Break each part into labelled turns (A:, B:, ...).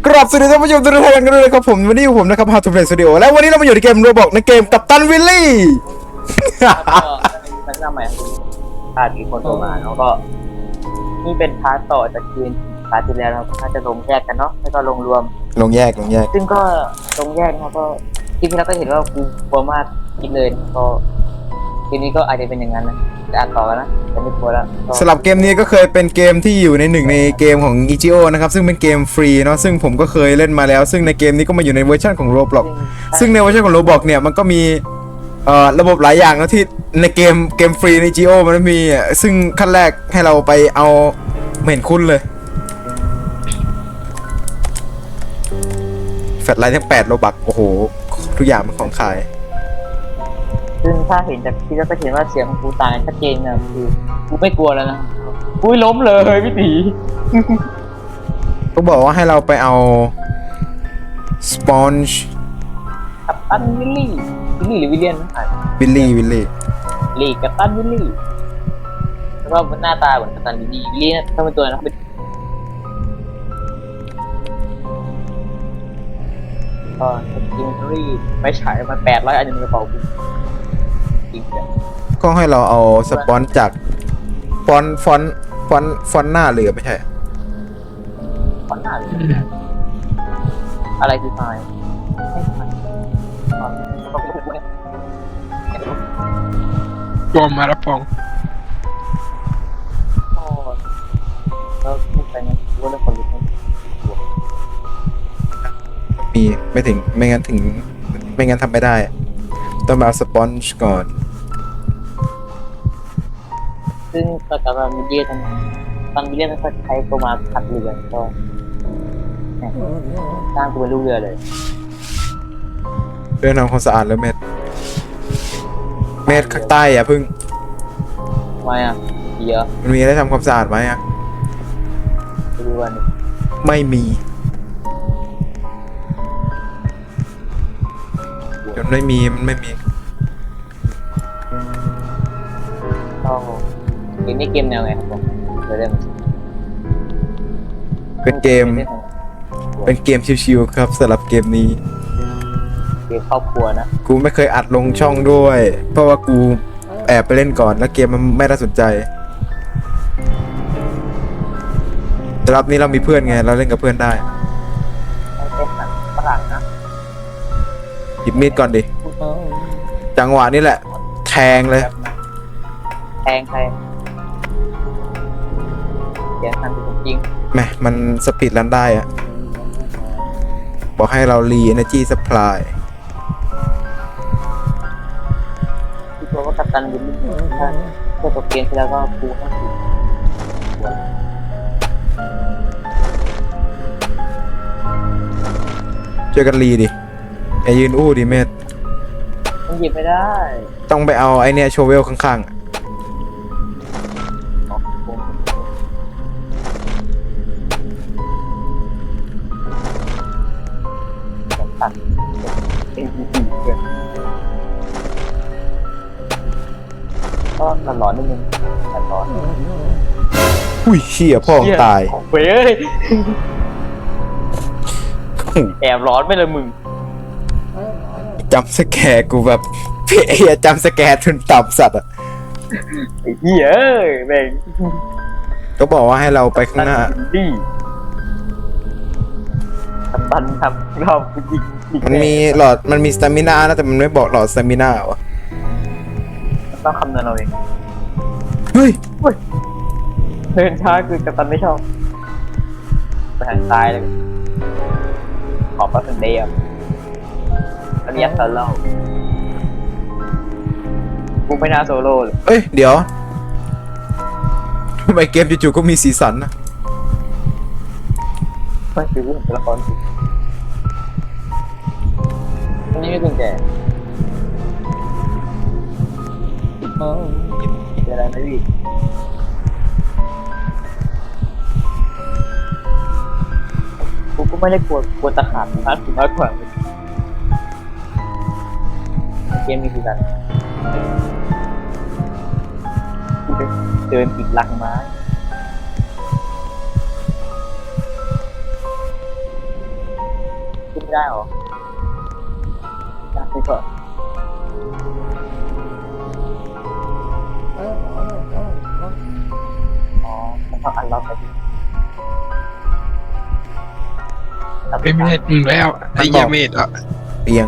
A: กราบสวัสดีท่านผู้ชมทุกท่านกันด้วยนะครับผมวันนี้อยู่ผมนะครับ How to Play Studio และวันนี้เรามาอยู่ในเกมโรบอกในเกมกัปตันวิลลี่
B: ก็เป็นหน้าใหม่ของพาดอีกคนโทรมาแล้วก็นี่เป็นพาร์ทต่อจากเกมพาร์ทที่แล้วเราก็จะลงแยกกันเนาะแล้วก็ลงรวม
A: ลงแยก
B: ซึ่งก็ลงแยกนะครับก็ที่พี่เราก็เห็นว่ากูกลัวมากคิดเลยก็ทีนี้ก็อาจจะเป็นอย่างนั้นนะจะอ่านต่อกันนะจะไม่กลัวแล้วก็
A: สำหรับเกมนี้ก็เคยเป็นเกมที่อยู่ในหนึ่งในเกมของ EGO นะครับซึ่งเป็นเกมฟรีเนาะซึ่งผมก็เคยเล่นมาแล้วซึ่งในเกมนี้ก็มาอยู่ในเวอร์ชันของ Roblox ซึ่งในเวอร์ชันของ Roblox เนี่ยมันก็มีระบบหลายอย่างนะที่ในเกมฟรีใน EGO มันมีซึ่งขั้นแรกให้เราไปเอาไม่เห็นคุ้นเลยแฟลชไลท์ทั้ง8 โลบักโอ้โหทุกอย่างเป็นของขาย
B: ซึ่งถ้าเห็นจากที่เราก็เห็นว่าเสียงของกูต่างกันชัดเจนนะคือกูไม่กลัวแล้วนะกูล้มเลยพี่ตี
A: ก็บอกว่าให้เราไปเอาสปอนจ์
B: กัปตันวิลลี่หรือวิลเลียนนะ
A: วิลลี่
B: ลีกัปตันวิลลี่แล้วก็หน้าตาเหมือนกัปตันวิลลี่วิลลี่นะถ้าเป็นตัวนะเป็นก็จริงๆรีไม่ฉายมา800 อันอยู่ในกระเป๋ากูจริงจัง
A: ก็ให้เราเอาสปอนจ์จากฟอนต์หน้าเรือไม่ใช่
B: ขอนหน้าเลยอะไรคือไฟไม่ไฟ
C: ปอมมาแล้วปอง
B: แล้วพูดไปงั้นกูว่าเรื่องคนลุก
A: มีไม่ถึงไม่งั้นทำไม่ได้ ต้องมาเอาสปอนจ์ก่อน
B: ซึ่งก็กำลังมีเดียทั้งตอนมีเดียทั้งใช้ตัวมาขัดเรือก็สร้างตัวเป็นลูกเรือเลย
A: เรื่องทำความสะอาดแล้วเม็ดข้างใต้อย่าพึ่ง
B: ทำไมอ่ะเยอะ
A: มันมีอะไรทำความสะอาดไหมอ่ะ
B: ไปดูกัน
A: ไม่มีมันไม่มี
B: ก็เกมนี้เกมแนวไงครับผมเริ่ม
A: เป็นเกมชิวๆครับสำหรับเกมนี้
B: เกมครอบครัวนะ
A: กูไม่เคยอัดลงช่องด้วย เพราะว่ากูแอบไปเล่นก่อนแล้วเกมมันไม่น่าสนใจแต่รอบนี้เรามีเพื่อนไงเราเล่นกับเพื่อนได้
B: เป็นหนังฝรั่งนะ
A: หยิบมีดก่อนดิจังหวะนี้แหละแทงเลย
B: แทงใครเสียงทันจริง
A: แหมมันสปีดรันได้อะบอกให้เรารี energy supply
B: ที่ตัวว่ากัปตันวิลลี่ถ้าเพื่อตัวเกมที่แล้วก็กูให้ถูกหัว
A: เจอกันรีดิไอยืนอู้ดิเมธ
B: มันหยิบไม่ได้
A: ต้องไปเอาไอเนี่ยโชเวลข้างๆอะ
B: อ๋อกูตัดเอ็นดีเกินก็หลอนนิดนึงแต่ร้อน
A: อุ้ยเชี่ยพ่อมึงตาย
B: เว้ยแอบร้อนไปเลยมึง
A: จำสแกร์กูแบบเพี้ยจำสแกร์ทุนต่ำสัตว์อ่ะ
B: ไอ้เหี้ยเอ้ยแม่ง
A: ก็บอกว่าให้เราไปข้างหน้า
B: ดีกัปตันทำเรายิง
A: มันมีหลอดมันมีสตามินานะแต่มันไม่บอกหลอดสตามินาวะ
B: ต้องคำนวณเราเอง
A: เฮ้ย
B: เดินช้าคือกัปตันไม่ชอบไปทางซ้ายเลยขอบพระคุณเดียมอันนี้ยัดโซโล่กูไม่น่าโซโล่เลย
A: เอ้ยเดี๋ยวทำไมเกมจู่ๆก็มีสีสันนะ
B: ไม่คือกูเห็นตัวละครสิอันนี้ไม่กุญแจเป็นอะไรไหมพี่กูก็ไม่ได้กลัวตะขาบมากมากกว่าเกมนี้คือกันกูไปเดินติดหลังไม้ได้หรอได้ก่อนอ๋อมันต้องอันล็อกไปดิ
C: ไม่เมดมึงแล้วไอ้เหี้ยเมดอ่ะ
A: เตียง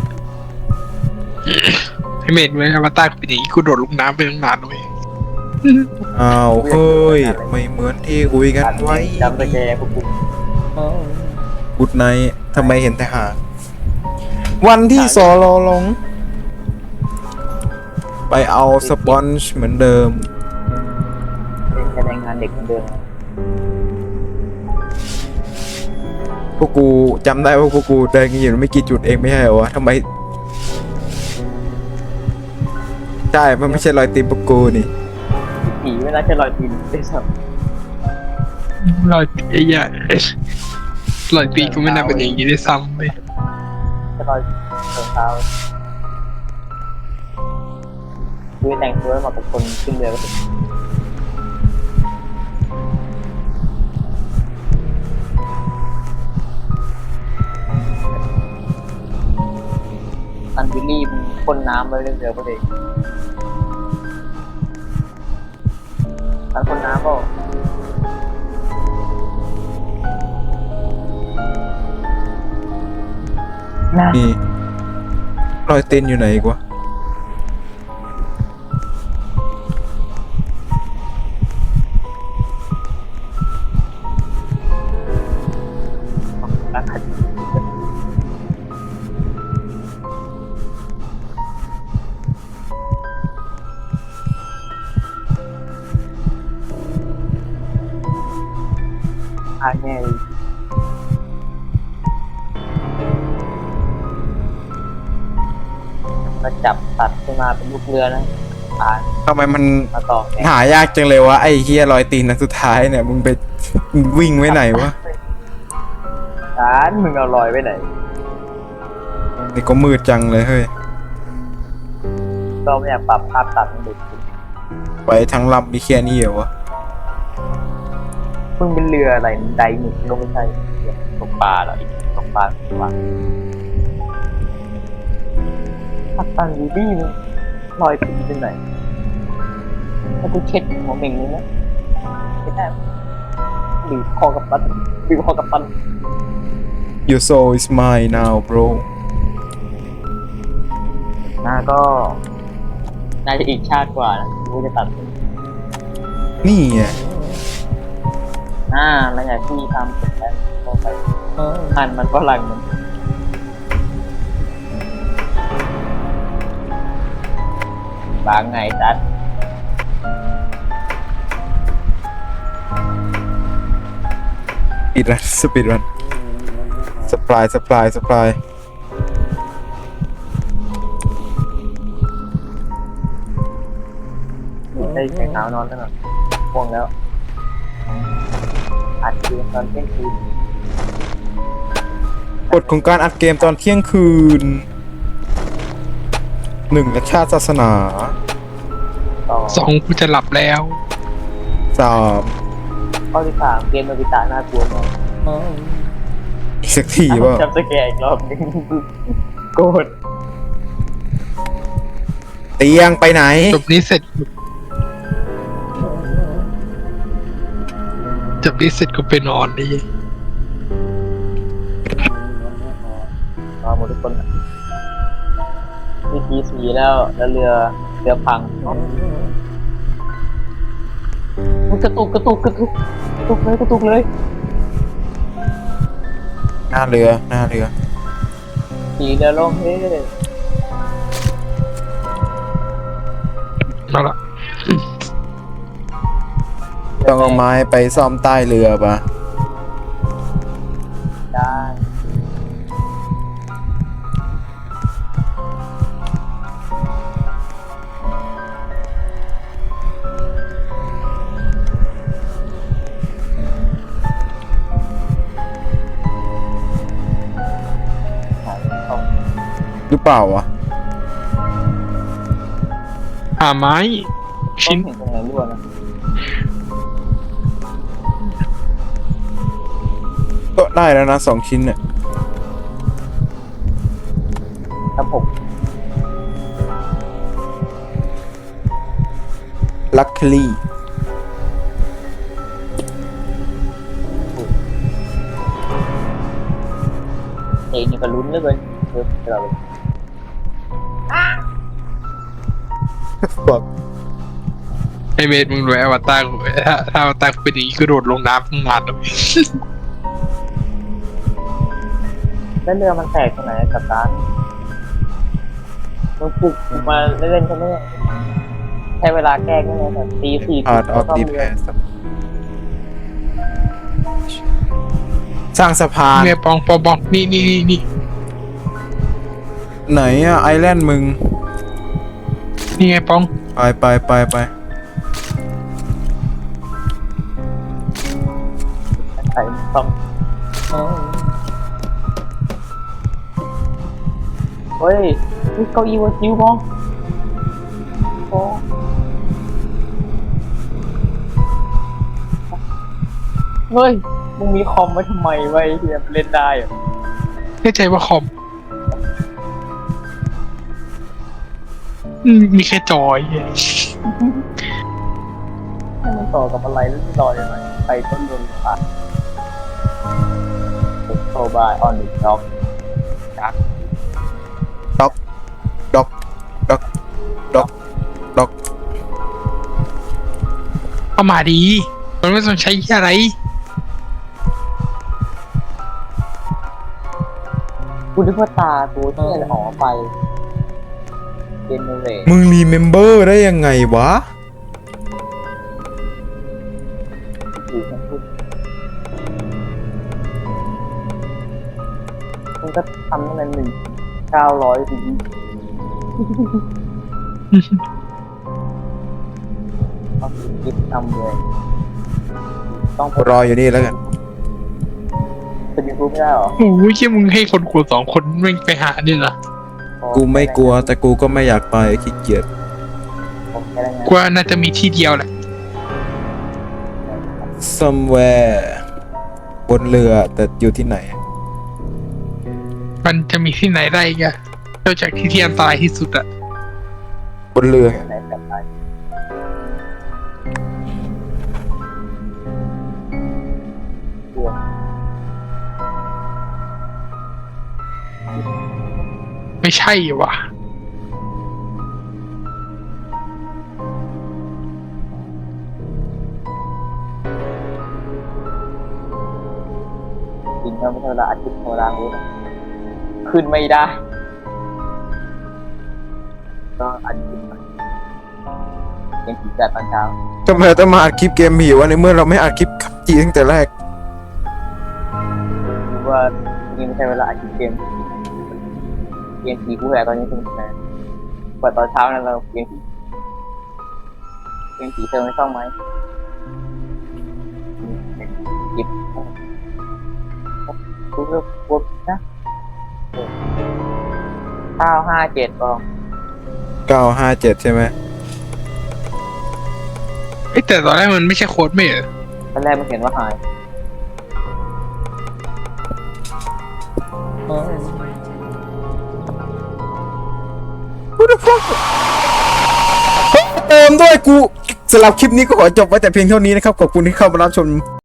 C: ไอ้เมดมึงอวตารกูเป็นอย่างนี้กูโดดลงน้ำไปตั้งนานเลย
A: อ้าวเฮ้ยไม่เหมือนที่คุยกันไว้
B: จำตะแกรงพวกกู
A: กุดไนท์ทำไมเห็นแต่หางวันที่สอรอลง ไปเอาสปอนจ์เหมือนเดิม
B: เป็นแรงงานเด็กเหมือนเดิม
A: พวกกูจำได้ว่าพวกกูเดินกันอยู่ไม่กี่จุดเองไม่ใช่เหรอวะทำไมใช่มันไม่ใช่รอยตีนพวกกูนี่
B: ผีไม่น่าจะลอยตีนได้สัก
C: รอยตีไอ้เหี้ยรอยตีกูไม่น่าเป็นอย่างนี้ด้วยซ้ำเลย
B: จะลอยเท้าคือแต่งตัวมากับคนขึ้นเรือก็ถึงอันวิลลี่มันพ่นน้ำไปเรื่อยๆก็เลยอันพ่นน้ำก็น่า
A: นี่รอยตีนอยู่ไหนอีกวะ
B: รักขัดพาแง่เลยมาจับตัดขึ้นมาเป็นลูกเรือนะผ่าน
A: ทำไมมัน
B: มาต่อแข่ง
A: หายากจังเลยวะไอ้เฮียรอยตีนนัดสุดท้ายเนี่ยมึงไปวิ่งไว้ไหนวะ
B: ร้านมึงเอาลอยไปไหน
A: นี่ก็มืดจังเลยเฮ้ย
B: ก็ไม่อยากปรับภาพตัดมันดูจริง
A: ไปทั้งลำมีแค่นี้เหรอวะ
B: มึงเป็นเรืออะไรไดหนิกลงไม่ใช่เรือตกปลาเหรออีกตกปลาพักตันดีดีมึงลอยตีเป็นไหนถ้ากูเช็ดหัวเม่งนึงนะไม่ได้บีบคอกับปั้นบีบคอกับปั้น
A: Your soul is mine now bro
B: หน้าก็น่าจะอีกชาติกว่านะกูจะตัด
A: นี่ไง
B: แล้วอย่างที่ทำเสร็จแล้วก็ไปหั่นมันฝรั่งมันบางไงจัด
A: ปิดรันสปิดรันสปาย
B: ได้ใช้เท้านอนแล้วหน่อยง่วงแล้วอัดเกมตอนเที่ยงคืน
A: กฎของการอัดเกมตอนเที่ยงคืน 1. และชาติศาสนา
B: ต่อ
C: 2กูจะหลับแล้ว
A: 3.
B: ข้อที่สามเกมโนบิตะน่ากลัวมาก
A: อีกสักทีว่า
B: จำสแกร์อีกรอบนึงโกรธ
A: เตียงไปไหน
C: จบนี้เสร็จกูไปนอนดิ
B: มาหมดทุกคนมีทีสีแล้วเรือพังมันกระตุกเลย
A: หน้าเรือ
B: สีเรือล่มเฮ้
C: มาละ
A: ต้องเอาไม้ไปซ่อมใต้เรือปะ
B: ได้เอา
A: หรือเปล่าวะ
C: หาไม้
B: ต้
C: ชิ้
B: อน งเห็นตรงไหนรั่วนะ
A: ก็ได้แล้วนะ2 ชิ้นเนี่ย
B: ครับผม
A: ลัคลี่
B: เองนี่ก็ลุ้นเหลยเกินเยอะเราเลย
A: บอก
C: ไอเมดมึงรู้อวตารกูถ้าอวตารกูเป็นอย่างนี้ก็โดดลงน้ำทั้งงานเลย
B: แล้วเรือมันแตกตรงไหนกับร้านมึงปลุกมาเล่นๆใช่ไหมใช้เวลาแก้ก็เนี่ยแบบตีสี่
A: อาร์ตออฟดีแพสสร้างสะพาน
C: เมียปองปองนี่
A: ไหนอะไอแลนด์มึง
C: นี่ไงปอง
A: ไป
B: ใส่ซ่อมเฮ้ยนี่เก้าอี้วัวจิ๋วมองโอ้เฮ้ยมึงมีคอมไว้ทำไมไว้เฮียเล่นได้เหรอ
C: แน่ใจว่าคอมมีแค่จอย
B: ให้มันต่อกับอะไรแล้วต่อยังไงใครต้นโดนขาดโซบายออนดิด็อกจัก
A: ด็อก
C: เอามาดี มันไม่ต้องใช้อะไร
B: กูนึกว่าตากูที่อะไรออกไปเจเนเรต
A: มึงรีเมมเบอร์ได้ยังไงวะ
B: อยู่ทั้งพูดมันก็ทำตั้งแต่1,900 ปีต้องคิดทำเลยต้อง
A: รออยู่นี่แล้วกัน
B: เป็นยูทูบไม่ได้หรอ
C: โอ้ยเชี่ยมึงให้คนกลัว2 คนแม่งไปหาเนี่ยเหรอ
A: กูไม่กลัวแต่กูก็ไม่อยากไปขี้เกียจ
B: ผมแค่ได้ไง
C: กว่าน่าจะมีที่เดียวแหละ
A: somewhere บนเรือแต่อยู่ที่ไหน
C: มันจะมีที่ไหนได้อีกอะนอกจากที่อันตรายที่สุดอะ
A: บนเรือ
B: ไหนแบบไหนเรือ
C: ไม่ใช่วะ
B: จริงๆไม่ใช่เวลาอาทิตย์ธรรมดาเลยนะขึ้นไม่ได้ ก็อาทิตย์ยังผีแต่ตอนเช้า
A: ทำไมต้องมาอัดคลิปเกมผีวะในเมื่อเราไม่อัดคลิปขับจีตั้งแต่แรก
B: หรือว่านี่ไม่ใช่เวลาอาทิตย์เกมผีกูแหละตอนนี้ถึงนะกว่าตอนเช้านั้นเราเกมผีเธอไม่ชอบไหมหยิบกูเลือกกดนะ957บอง
A: 957 ใช่ไหม
C: เอ้ยแต่ตอนแรกมันไม่ใช่โค้ดไม่เหรอ
B: ตอนแรกมันเห็นว่าหาย
A: เติมด้วยกูสำหรับคลิปนี้ก็ขอจบไว้แต่เพียงเท่านี้นะครับ ขอบคุณที่เข้ามารับชม